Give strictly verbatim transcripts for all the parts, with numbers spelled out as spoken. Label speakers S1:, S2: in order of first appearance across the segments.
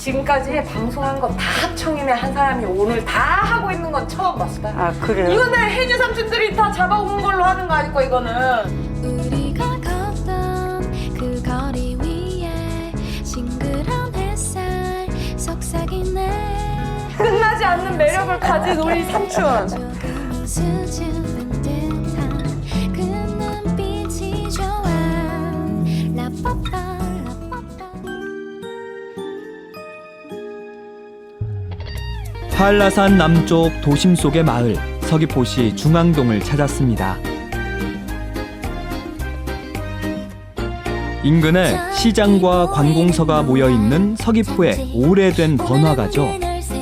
S1: 지금까지 방송한 거 다 합청이네 한 사람이 오늘 다 하고 있는 건 처음 봤어.
S2: 아, 그래요?
S1: 이거는 혜지 삼촌들이 다 잡아온 걸로 하는 거 아닐까 이거는.
S3: 우리가 걷던 그 거리 위에 싱그러운 햇살 속삭이네.
S1: 끝나지 않는 매력을 가진 우리 삼촌.
S3: 조금 수줍은 듯한 그 눈빛이 좋아. 라빠빠 라빠빠.
S4: 한라산 남쪽 도심 속의 마을 서귀포시 중앙동을 찾았습니다. 인근에 시장과 관공서가 모여있는 서귀포의 오래된 번화가죠.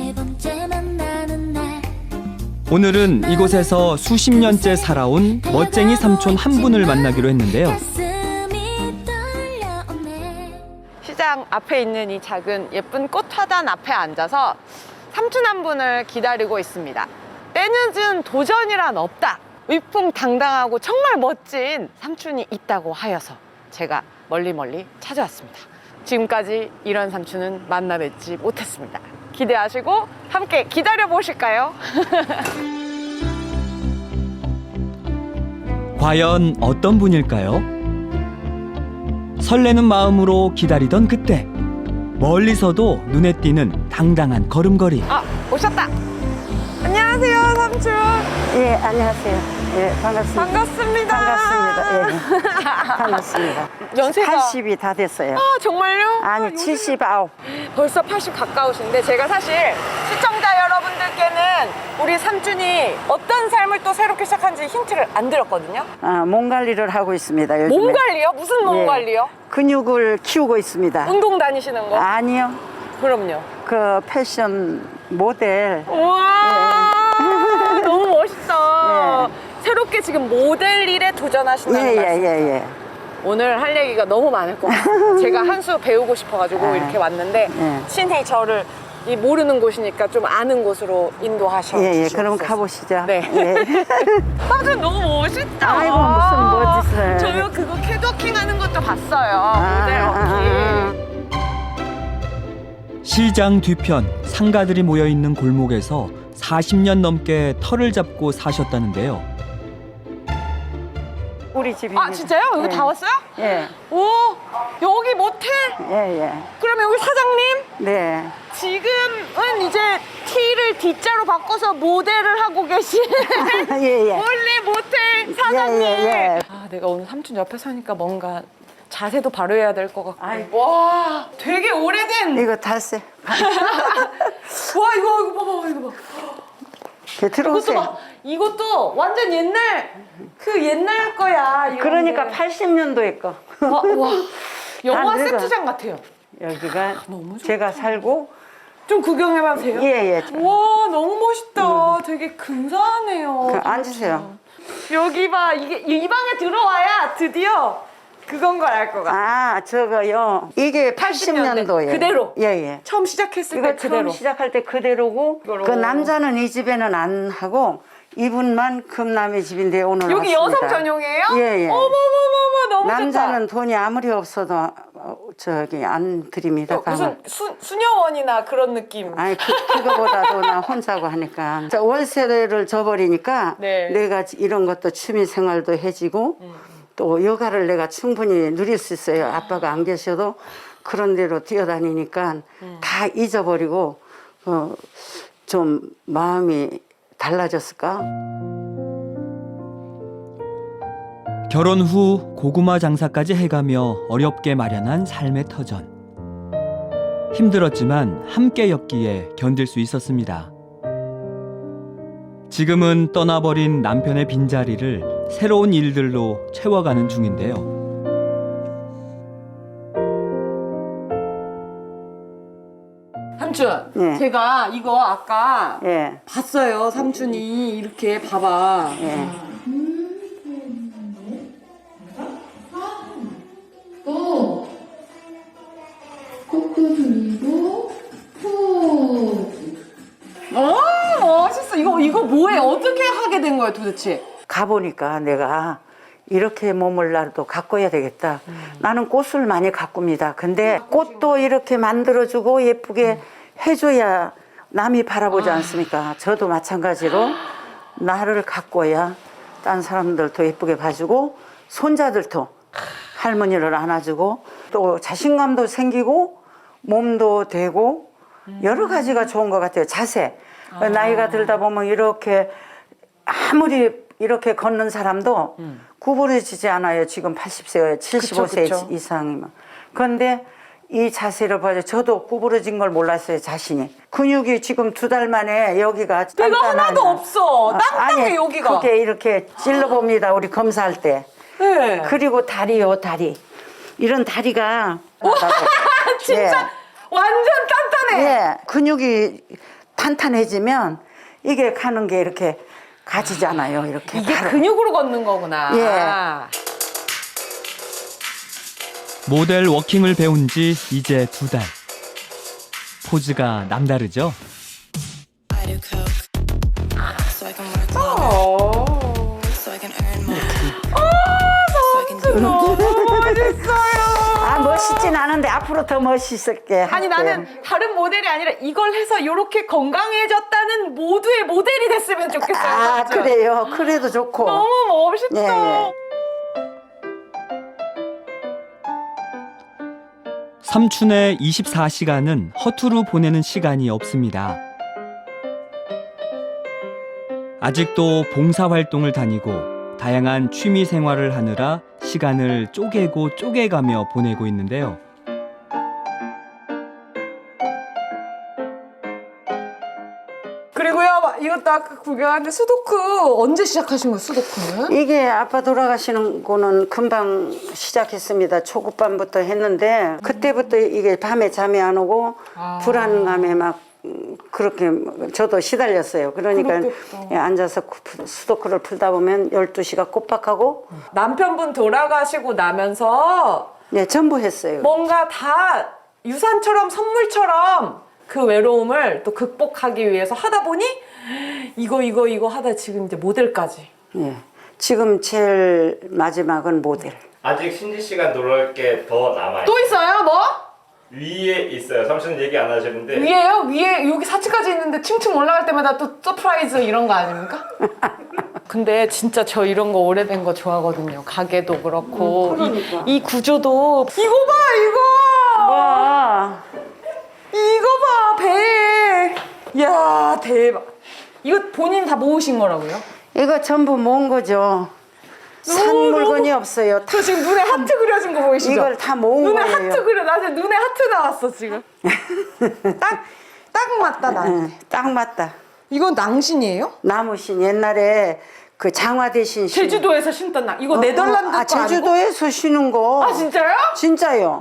S4: 오늘은 이곳에서 수십 년째 살아온 멋쟁이 삼촌 한 분을 만나기로 했는데요.
S1: 시장 앞에 있는 이 작은 예쁜 꽃 화단 앞에 앉아서 삼촌 한 분을 기다리고 있습니다. 때늦은 도전이란 없다. 위풍당당하고 정말 멋진 삼촌이 있다고 하여서 제가 멀리 멀리 찾아왔습니다. 지금까지 이런 삼촌은 만나 뵙지 못했습니다. 기대하시고 함께 기다려 보실까요?
S4: 과연 어떤 분일까요? 설레는 마음으로 기다리던 그때 멀리서도 눈에 띄는 당당한 걸음걸이.
S1: 아, 오셨다. 안녕하세요, 삼촌.
S2: 예, 안녕하세요. 예, 반갑습니다.
S1: 반갑습니다.
S2: 반갑습니다. 예. 반갑습니다.
S1: 연세가
S2: 팔십이 다 됐어요.
S1: 아, 정말요? 아,
S2: 아니,
S1: 요즘-
S2: 칠십구.
S1: 벌써 팔십 가까우신데 제가 사실 시청자 여러분들께는 우리 삼촌이 어떤 삶을 또 새롭게 시작한지 힌트를 안 드렸거든요.
S2: 아, 몸 관리를 하고 있습니다. 요즘에.
S1: 몸 관리요? 무슨 몸
S2: 예.
S1: 관리요?
S2: 근육을 키우고 있습니다.
S1: 운동 다니시는 거?
S2: 아니요.
S1: 그럼요.
S2: 그 패션 모델.
S1: 우와 너무 멋있다.
S2: 예.
S1: 새롭게 지금 모델 일에 도전하신다는
S2: 예, 예,
S1: 말씀.
S2: 예, 예.
S1: 오늘 할 얘기가 너무 많을 것 같아요. 제가 한 수 배우고 싶어가지고
S2: 아,
S1: 이렇게 왔는데
S2: 예.
S1: 신이 저를 이 모르는 곳이니까 좀 아는 곳으로 인도하셔
S2: 예, 예.
S1: 주시옵소서.
S2: 그럼 가보시죠.
S1: 네.
S2: 예.
S1: 삼촌 너무 멋있다.
S2: 아이고, 무슨 멋있어요.
S1: 저요 그거 캐드워킹 하는 것도 봤어요.
S2: 아,
S1: 모델
S2: 아,
S1: 워킹.
S4: 시장 뒤편 상가들이 모여있는 골목에서 사십 년 넘게 터를 잡고 사셨다는데요.
S2: 우리 집입니다.
S1: 아 진짜요? 여기
S2: 예.
S1: 다 왔어요?
S2: 예.
S1: 오 여기 모텔?
S2: 예, 예.
S1: 그러면 여기 사장님?
S2: 네.
S1: 지금은 이제 T를 D자로 바꿔서 모델을 하고 계신
S2: 예, 예.
S1: 원래 모텔 사장님.
S2: 예, 예, 예.
S1: 아 내가 오늘 삼촌 옆에 서니까 뭔가 자세도 바로 해야 될 것 같고.
S2: 아이고.
S1: 와 되게 오래된.
S2: 이거 달세.
S1: 와 이거 이거 봐봐 이거 봐.
S2: 그
S1: 이것도
S2: 들어오세요.
S1: 봐. 이것도 완전 옛날 그 옛날 거야. 이런
S2: 그러니까
S1: 게.
S2: 팔십 년도에 거.
S1: 와, 와 영화
S2: 다 늙어.
S1: 세트장 같아요.
S2: 여기가
S1: 너무 좋다.
S2: 제가 살고.
S1: 좀 구경해봐도 돼요?
S2: 예, 예.
S1: 와 너무 멋있다. 되게 근사하네요.
S2: 그, 앉으세요.
S1: 여기 봐 이게 이 방에 들어와야 드디어 그건 걸 알 것 같아.
S2: 아, 저거요. 이게 팔십 년도에.
S1: 그대로?
S2: 예, 예.
S1: 처음 시작했을
S2: 이거
S1: 때 그대로.
S2: 처음 시작할 때 그대로고,
S1: 이거로.
S2: 그 남자는 이 집에는 안 하고, 이분만 금남의 집인데 오늘
S1: 여기
S2: 왔습니다.
S1: 여성 전용이에요?
S2: 예, 예.
S1: 어머머머머 너무
S2: 남자는
S1: 좋다.
S2: 돈이 아무리 없어도 어, 저기 안 드립니다.
S1: 어, 무슨 수, 수녀원이나 그런 느낌.
S2: 아니 그, 그거보다도 나 혼자고 하니까 자, 월세를 줘버리니까
S1: 네.
S2: 내가 이런 것도 취미 생활도 해지고 또 여가를 내가 충분히 누릴 수 있어요. 아빠가 안 계셔도 그런 데로 뛰어다니니까 다 잊어버리고 어, 좀 마음이 달라졌을까?
S4: 결혼 후 고구마 장사까지 해가며 어렵게 마련한 삶의 터전. 힘들었지만 함께였기에 견딜 수 있었습니다. 지금은 떠나버린 남편의 빈자리를 새로운 일들로 채워가는 중인데요.
S1: 삼촌,
S2: 예.
S1: 제가 이거 아까
S2: 예,
S1: 봤어요. 삼촌이 이렇게 봐봐.
S2: 예.
S1: 어 멋있어. 이거 이거 뭐해? 어떻게 하게 된 거야 도대체?
S2: 가보니까 내가 이렇게 몸을 나도 가꿔야 되겠다. 나는 꽃을 많이 가꿉니다. 근데 꽃도 이렇게 만들어주고 예쁘게 해줘야 남이 바라보지 않습니까? 저도 마찬가지로 나를 가꿔야 딴 사람들도 예쁘게 봐주고 손자들도 할머니를 안아주고 또 자신감도 생기고 몸도 되고 여러 가지가 좋은 것 같아요. 자세. 나이가 들다 보면 이렇게 아무리 이렇게 걷는 사람도
S1: 음.
S2: 구부러지지 않아요. 지금 팔십 세, 칠십오 세
S1: 그쵸, 그쵸.
S2: 이상이면. 그런데 이 자세를 봐요. 저도 구부러진 걸 몰랐어요, 자신이. 근육이 지금 두 달 만에 여기가
S1: 내가
S2: 단단하냐.
S1: 하나도 없어.
S2: 아,
S1: 땅땅해
S2: 아니,
S1: 여기가.
S2: 그게 이렇게 찔러봅니다. 우리 검사할 때.
S1: 네.
S2: 그리고 다리요, 다리. 이런 다리가.
S1: 진짜
S2: 예.
S1: 완전 단단해.
S2: 예, 근육이 탄탄해지면 이게 가는 게 이렇게 가지잖아요. 이렇게.
S1: 이게
S2: 바로.
S1: 근육으로 걷는 거구나.
S2: 예.
S4: 모델 워킹을 배운 지 이제 두 달. 포즈가 남다르죠?
S5: I do coke so I can work longer,
S1: 어.
S5: so I can earn more. so I can do
S1: 너무 멋있어요.
S2: 아, 멋있진 않은데 앞으로 더 멋있을게.
S1: 아니
S2: 할게.
S1: 나는 다른 모델이 아니라 이걸 해서 이렇게 건강해졌다는 모두의 모델이 됐으면 좋겠어요.
S2: 아,
S1: 진짜.
S2: 그래요. 그래도 좋고.
S1: 너무 멋있다.
S2: 예, 예.
S4: 삼촌의 이십사 시간은 허투루 보내는 시간이 없습니다. 아직도 봉사활동을 다니고 다양한 취미 생활을 하느라 시간을 쪼개고 쪼개가며 보내고 있는데요.
S1: 그리고요 이것도 아까 구경하는데 수도크 언제 시작하신 거예요? 수도크는?
S2: 이게 아빠 돌아가시는 거는 금방 시작했습니다. 초급반부터 했는데 그때부터 이게 밤에 잠이 안 오고
S1: 아.
S2: 불안감에 막 음, 그렇게 저도 시달렸어요. 그러니까
S1: 그렇겠다.
S2: 예, 앉아서 구- 수도크를 풀다 보면 열두 시가 꼬박하고
S1: 남편분 돌아가시고 나면서
S2: 예, 전부 했어요.
S1: 뭔가 다 유산처럼 선물처럼 그 외로움을 또 극복하기 위해서 하다 보니 이거 이거 이거 하다 지금 이제 모델까지.
S2: 예. 지금 제일 마지막은 모델.
S6: 아직 신지 씨가 놀랄 게 더 남아요.
S1: 또 있어요 뭐?
S6: 위에 있어요. 삼촌은 얘기 안 하시는데
S1: 위에요? 위에 여기 사층까지 있는데 층층 올라갈 때마다 또 서프라이즈 이런 거 아닙니까? 근데 진짜 저 이런 거 오래된 거 좋아하거든요. 가게도 그렇고
S2: 음, 그러니까.
S1: 이, 이 구조도 이거 봐 이거
S2: 와,
S1: 이거 봐 배. 이야 대박. 이거 본인 다 모으신 거라고요?
S2: 이거 전부 모은 거죠. 산
S1: 너무,
S2: 물건이 없어요.
S1: 저 지금 눈에 하트 그려진 거 보이시죠?
S2: 이걸 다 모은
S1: 눈에
S2: 거예요.
S1: 하트 그려. 나 지금 눈에 하트 나왔어 지금. 딱 딱 맞다 나.
S2: 응, 딱 맞다.
S1: 이건 낭신이에요?
S2: 나무신 옛날에 그 장화 대신 신-
S1: 제주도에서 신던 낭. 이거
S2: 어,
S1: 네덜란드
S2: 어,
S1: 거
S2: 아,
S1: 아니고?
S2: 제주도에서 쉬는 거.
S1: 아 진짜요?
S2: 진짜요.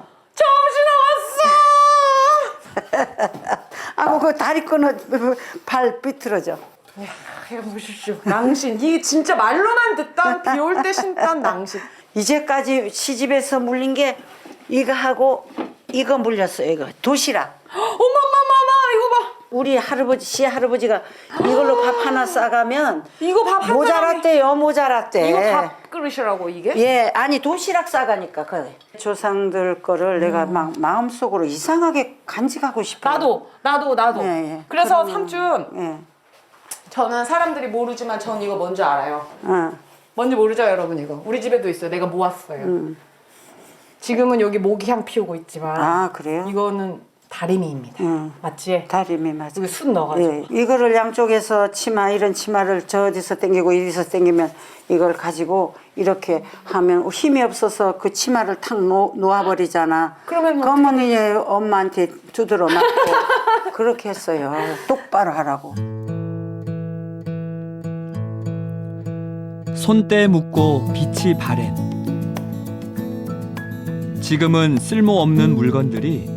S1: 처음 신어봤어.
S2: 아, 그 다리 끊어 발 삐뚤어져.
S1: 이야, 해보십시오. 낭신. 이게 진짜 말로만 듣던 비 올 때 신던 낭신.
S2: 이제까지 시집에서 물린 게 이거 하고 이거 물렸어요. 이거 도시락.
S1: 어머머머머 이거 봐.
S2: 우리 할아버지 시 할아버지가 이걸로 밥 하나 싸가면
S1: 이거 밥 한 사람이.
S2: 모자랐대요. 모자랐대.
S1: 이거 밥 그릇이라고 이게?
S2: 예, 아니 도시락 싸가니까 그래. 조상들 거를 내가 막 마음속으로 이상하게 간직하고 싶어.
S1: 나도 나도 나도.
S2: 예, 예.
S1: 그래서
S2: 그러면-
S1: 삼촌
S2: 예.
S1: 저는 사람들이 모르지만 전 이거 뭔지 알아요.
S2: 어.
S1: 뭔지 모르죠 여러분 이거. 우리 집에도 있어요. 내가 모았어요. 지금은 여기 모기향 피우고 있지만
S2: 아, 그래요?
S1: 이거는 다리미입니다.
S2: 응.
S1: 맞지?
S2: 다리미 맞아.
S1: 여기 숯 넣어가지고.
S2: 예, 이거를 양쪽에서 치마 이런 치마를 저 어디서 당기고 이리서 당기면 이걸 가지고 이렇게 하면 힘이 없어서 그 치마를 탁 놓, 놓아버리잖아.
S1: 그러면 뭐
S2: 그러면 이제 엄마한테 두드러 맞고 그렇게 했어요. 똑바로 하라고.
S4: 손때 묻고 빛이 바랜. 지금은 쓸모없는 물건들이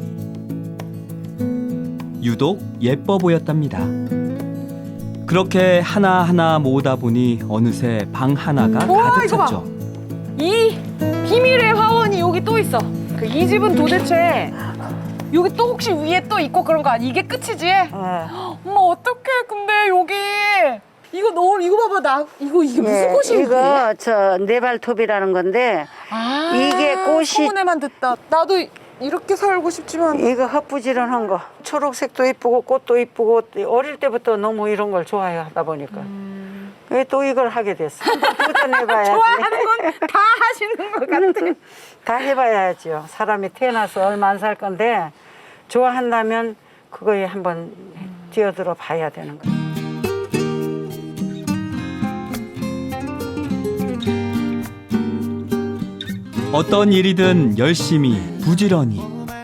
S4: 유독 예뻐 보였답니다. 그렇게 하나하나 모으다 보니 어느새 방 하나가
S1: 우와,
S4: 가득
S1: 이거 봐.
S4: 찼죠.
S1: 이 비밀의 화원이 여기 또 있어. 그 이 집은 도대체 여기 또 혹시 위에 또 있고 그런 거 아니? 이게 끝이지?
S2: 예.
S1: 어머 어떡해. 근데 여기 이거 너무 이거 봐봐 나 이거 이게 무슨
S2: 예,
S1: 꽃이지?
S2: 이거 저 네발톱이라는 건데
S1: 아,
S2: 이게 꽃이-
S1: 소문에만 듣다. 나도 이렇게 살고 싶지만
S2: 이거 헛부지런한 거. 초록색도 이쁘고 꽃도 이쁘고 어릴 때부터 너무 이런 걸 좋아하다 보니까 왜 또 이걸 하게 됐어. 한번 도전해봐야지.
S1: 좋아하는 건 다 하시는 것 같아.
S2: 다 해봐야죠. 사람이 태어나서 얼마 안 살 건데 좋아한다면 그거에 한번 뛰어들어 봐야 되는 거예요.
S4: 어떤 일이든 열심히 부지런히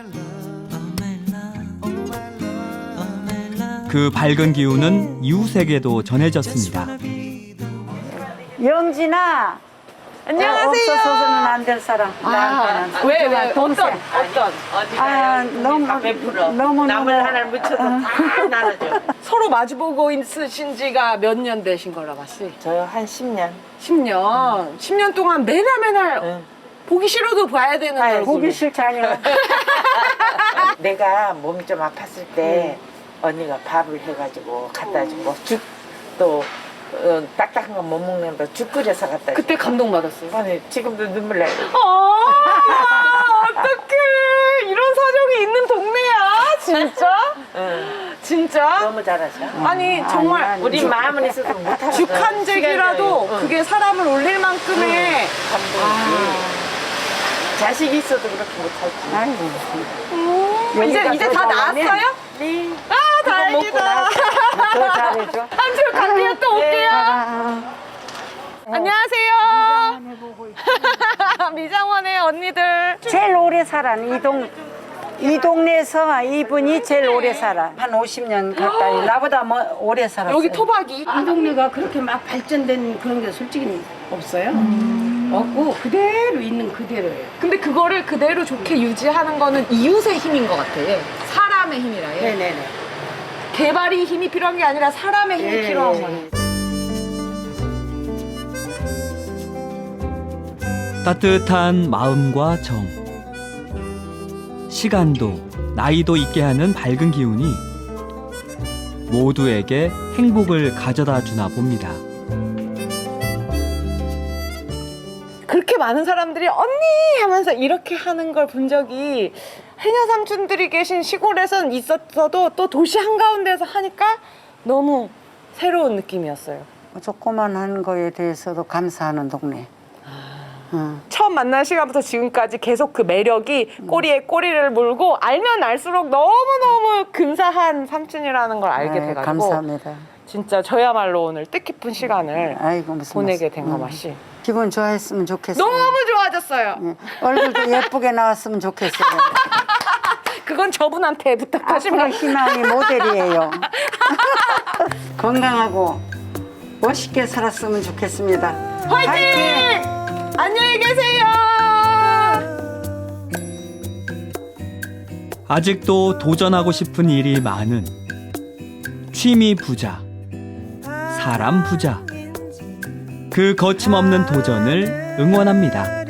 S4: 그 밝은 기운은 이웃에게도 전해졌습니다.
S2: 영진아.
S1: 안녕하세요.
S2: 없어서는 안 될 사람. 나한테는.
S1: 아, 왜, 왜,
S2: 소중한 동생.
S1: 어떤, 어떤?
S2: 아, 너무 너무
S7: 나물 하나를 묻혀서 다 나눠줘.
S1: 서로 마주보고 있으신 지가 몇 년 되신 거라 봤지?
S7: 저요 한 십 년.
S1: 십 년. 십 년 동안 매날 매날
S7: 응.
S1: 보기 싫어도 봐야 되는
S7: 아유,
S1: 얼굴.
S2: 보기 싫잖아요.
S7: 내가 몸이 좀 아팠을 때 언니가 밥을 해가지고 갖다 주고 죽또 어, 딱딱한 거 못 먹는데 죽 끓여서 갖다 주고.
S1: 그때 감동받았어요.
S7: 아니 지금도 눈물 나요.
S1: 아, 어떡해. 이런 사정이 있는 동네야. 진짜?
S7: 응.
S1: 진짜?
S7: 너무 잘하죠.
S1: 아니, 정말.
S2: 아니, 아니.
S7: 우리 마음은 있어도 못하는
S1: 죽 한 잭이라도 그게 사람을 올릴 만큼의
S7: 감동이지. 자식 있어도 그렇게 못하지.
S2: 아이고.
S1: 이제
S2: 여기가
S1: 이제
S2: 더
S1: 다
S2: 잘하네.
S1: 나았어요?
S7: 네.
S1: 아
S7: 그거 먹고
S1: 다행이다.
S7: 나서
S2: 더 잘해줘.
S1: 한줄 갈게요. 또 올게요.
S2: 아,
S1: 안녕하세요. 미장원의 언니들.
S2: 제일 오래 살아. 이 동, 이 동네에서 이분이 제일 오래 살아. 한 오십 년 가까이. 나보다 뭐 오래 살았어요.
S1: 여기 토박이.
S8: 이 동네가 그렇게 막 발전된 그런 게 솔직히 없어요. 없고 그대로 있는 그대로예요.
S1: 근데 그거를 그대로 좋게 유지하는 거는 이웃의 힘인 것 같아. 얘. 사람의 힘이라. 얘.
S8: 네네네.
S1: 개발이 힘이 필요한 게 아니라 사람의 힘이
S8: 예,
S1: 필요한
S8: 예.
S1: 거예요.
S4: 따뜻한 마음과 정, 시간도 나이도 있게 하는 밝은 기운이 모두에게 행복을 가져다 주나 봅니다.
S1: 그렇게 많은 사람들이 언니 하면서 이렇게 하는 걸 본 적이 해녀 삼촌들이 계신 시골에선 있었어도 또 도시 한가운데서 하니까 너무 새로운 느낌이었어요.
S2: 조그만한 거에 대해서도 감사하는 동네. 응.
S1: 처음 만난 시간부터 지금까지 계속 그 매력이 꼬리에 꼬리를 물고 알면 알수록 너무너무 근사한 삼촌이라는 걸 알게
S2: 아이,
S1: 돼가지고
S2: 감사합니다.
S1: 진짜 저야말로 오늘 뜻깊은 시간을
S2: 아이고 무슨
S1: 보내게
S2: 말씀.
S1: 된 거
S2: 응.
S1: 맛이
S2: 기분 좋아했으면 좋겠어요.
S1: 너무 좋아졌어요.
S2: 예. 얼굴도 예쁘게 나왔으면 좋겠어요.
S1: 그건 저분한테 부탁하시면
S2: 앞으로 희망이 모델이에요. 건강하고 멋있게 살았으면 좋겠습니다.
S1: 화이팅! 안녕히 계세요.
S4: 아직도 도전하고 싶은 일이 많은 취미 부자, 사람 부자. 그 거침없는 도전을 응원합니다.